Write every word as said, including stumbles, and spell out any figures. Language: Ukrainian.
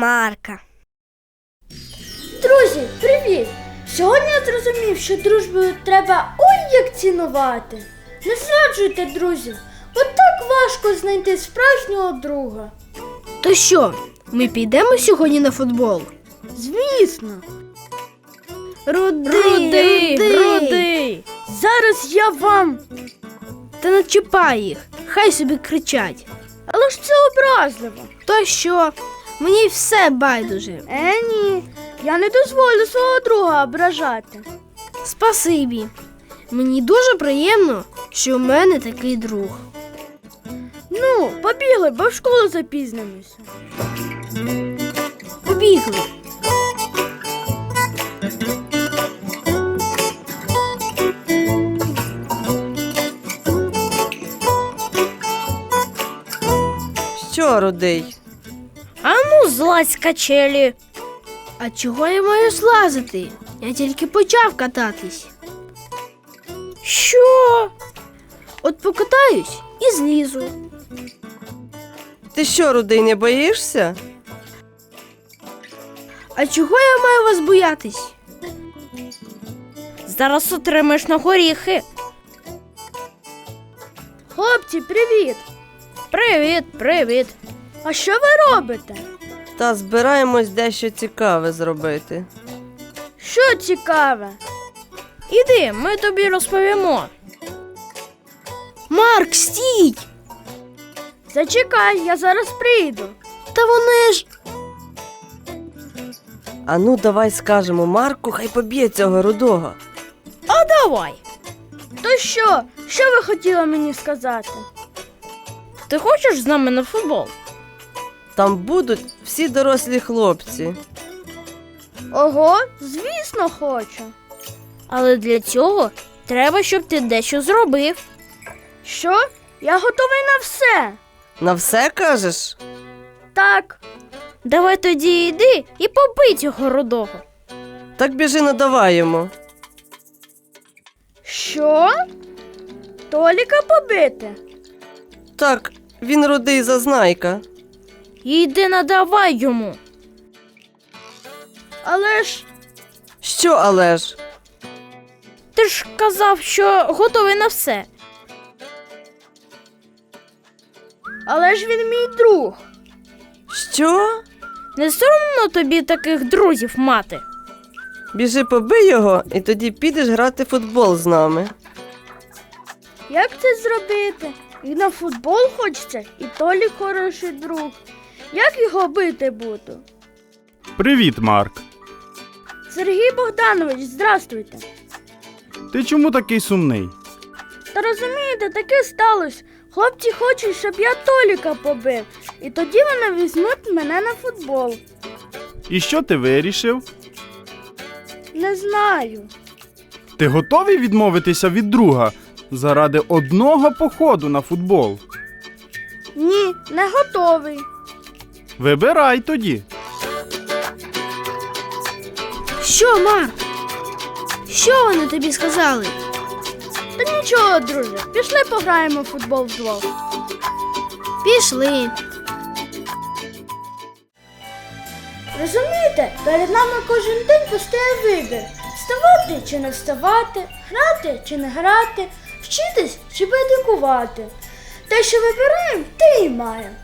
Марка. Друзі, привіт! Сьогодні я зрозумів, що дружбу треба ой як цінувати. Не зраджуйте друзів, бо так важко знайти справжнього друга. То що, ми підемо сьогодні на футбол? Звісно. Рудий, Рудий, Рудий. Рудий. Зараз я вам... Та не чіпай їх, хай собі кричать. Але ж це образливо. То що, мені все байдуже. Е, ні, я не дозволю свого друга ображати. Спасибі. Мені дуже приємно, що в мене такий друг. Ну, побігли, бо в школу запізнимося. Побігли. Що, Рудий? А ну, злазь з качелі. А чого я маю злазити? Я тільки почав кататись. Що? От покатаюсь і злізу. Ти що, Рудий, не боїшся? А чого я маю вас боятись? Зараз отримаєш на горіхи. Хлопці, привіт! Привіт, привіт. А що ви робите? Та збираємось дещо цікаве зробити. Що цікаве? Іди, ми тобі розповімо. Марк, стій! Зачекай, я зараз прийду. Та вони ж... А ну, давай скажемо Марку, хай поб'є цього Рудого. А давай. То що? Що ви хотіли мені сказати? Ти хочеш з нами на футбол? Там будуть всі дорослі хлопці. Ого, звісно, хочу. Але для цього треба, щоб ти дещо зробив. Що? Я готовий на все. На все кажеш? Так, Давай тоді йди і побий цього рудого. Так біжи, надавай йому. що? Толіка побити? Так, він Рудий зазнайка. Йди надавай йому. Але ж, Що, але ж? Ти ж казав, що готовий на все. але ж він мій друг. Що? Не соромно тобі таких друзів мати? Біжи, побий його, і тоді підеш грати в футбол з нами. Як це зробити? І на футбол хочеться, і Толік хороший друг. Як його бити буду? Привіт, Марк. Сергій Богданович, здрастуйте. Ти чому такий сумний? Та розумієте, таке сталося. Хлопці хочуть, щоб я Толіка побив. І тоді вони візьмуть мене на футбол. І що ти вирішив? Не знаю. Ти готовий відмовитися від друга заради одного походу на футбол? Ні, не готовий. Вибирай тоді. Що, Марк? Що вони тобі сказали? Та нічого, друже, пішли пограємо в футбол вдвох. Пішли. Розумієте, перед нами кожен день постає вибір. Вставати чи не вставати, грати чи не грати, вчитись чи байдикувати. Те, що вибираємо, те і маємо.